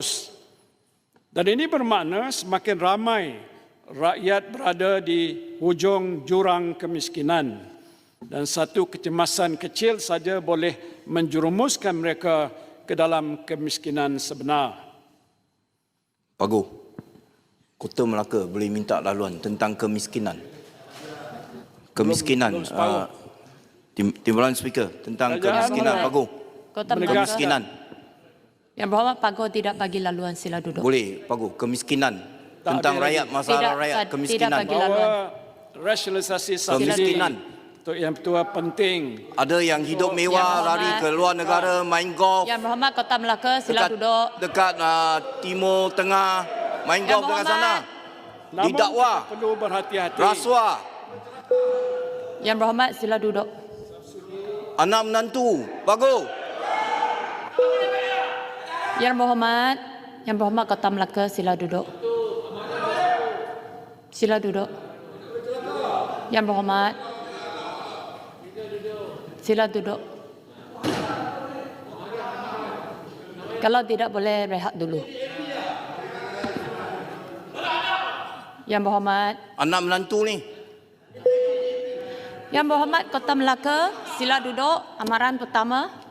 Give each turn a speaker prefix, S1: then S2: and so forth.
S1: Dan ini bermakna semakin ramai rakyat berada di hujung jurang kemiskinan dan satu kecemasan kecil saja boleh menjerumuskan mereka ke dalam kemiskinan sebenar.
S2: Pagu, Kota Melaka boleh minta laluan tentang kemiskinan. Kemiskinan, Timbalan Speaker, tentang kemiskinan, Pagu.
S3: Kota Melaka.
S2: Kemiskinan.
S3: Yang berhormat Pagu tidak bagi laluan, sila duduk.
S2: Boleh, Pagu. Kemiskinan. Tentang rakyat, masalah rakyat, kemiskinan.
S3: Tidak bagi laluan.
S1: Bahawa rasionalisasi subsidi
S2: Kemiskinan.
S1: itu yang betul penting.
S2: Ada yang hidup mewah, lari ke luar negara, main golf.
S3: Yang berhormat Kota Melaka, sila duduk.
S2: Dekat Timur Tengah, main golf dekat sana.
S1: Namun
S2: Didakwa.
S1: kita perlu berhati-hati.
S2: Rasuah.
S3: Yang berhormat, sila duduk.
S2: Anak menantu. Pagu.
S3: Yang berhormat Kota Melaka, sila duduk. Sila duduk. Yang berhormat, sila duduk. Kalau tidak boleh rehat dulu. Yang berhormat,
S2: Anak menantu ni.
S3: Yang berhormat Kota Melaka, sila duduk. Amaran pertama.